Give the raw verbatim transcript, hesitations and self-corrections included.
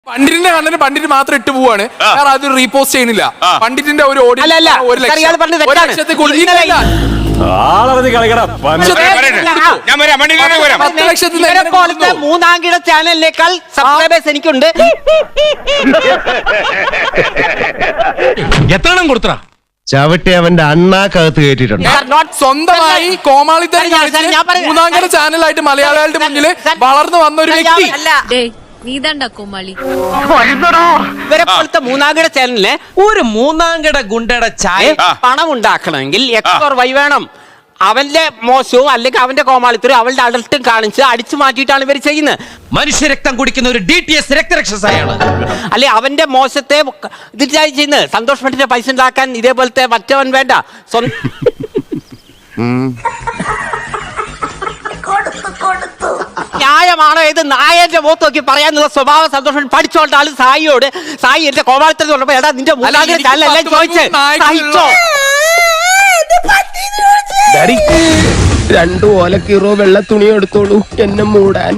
പണ്ഡിറ്റിന്റെ content Pandit മാത്രം ഇട്ട് പോവാണ്, വേറെ അത് റീപോസ്റ്റ് ചെയ്യുന്നില്ല. പണ്ഡിറ്റിന്റെ ഒരു ഓഡിയൻസ് ഒരു ലക്ഷം ഒരു ലക്ഷത്തിൽ കൂടുതൽ മൂന്നാംകിട ചാനലിനേക്കാൾ സബ്സ്ക്രൈബേഴ്സ് എനിക്കുണ്ട്. എത്ര കൊടുത്ത ചവിട്ടി അവന്റെ അണ്ണാക്കകത്ത് കയറ്റിട്ടുണ്ട്. സ്വന്തമായി കോമാളിത്തരം മൂന്നാംകിട ചാനലായിട്ട് മലയാളികളുടെ മുന്നിൽ വളർന്നു വന്ന ഒരു വ്യക്തി. ഇവരെ പോലത്തെ മൂന്നാംകിട ചാനലിന് ഒരു മൂന്നാംകിട ഗുണ്ടയുടെ ചായ പണം ഉണ്ടാക്കണമെങ്കിൽ എക്സ് വൈ വേണം. അവന്റെ മോശവും അല്ലെങ്കിൽ അവന്റെ കോമാളിത്തരും അവളുടെ അഡൽട്ടും കാണിച്ച് അടിച്ചു മാറ്റിയിട്ടാണ് ഇവർ ചെയ്യുന്നത്. മനുഷ്യരക്തം കുടിക്കുന്ന ഒരു ഡി ടി എസ് രക്തരക്ഷസായാണ്. അല്ലെ അവന്റെ മോശത്തെ ഇതിട്ടായി ചെയ്യുന്നത്. സന്തോഷ് പണ്ഡിറ്റ് പൈസ ഉണ്ടാക്കാൻ ഇതേപോലത്തെ മറ്റവൻ വേണ്ട. ന്യായമാണോ ഇത് നായന്റെ മുഖത്ത് നോക്കി പറയാനുള്ള സ്വഭാവം സന്തോഷം പഠിച്ചോണ്ട ആള് സായിയോട് സായി എന്റെ കോമാളിത്തരം പറഞ്ഞപ്പോ എടാ നിന്റെ മൂന്നാംകിട ചാനലല്ലേ ചോദിച്ചേ സഹിച്ചോ? രണ്ടു ഓലക്കീറോ വെള്ള തുണി എടുത്തോളൂ എന്നെ മൂടാൻ.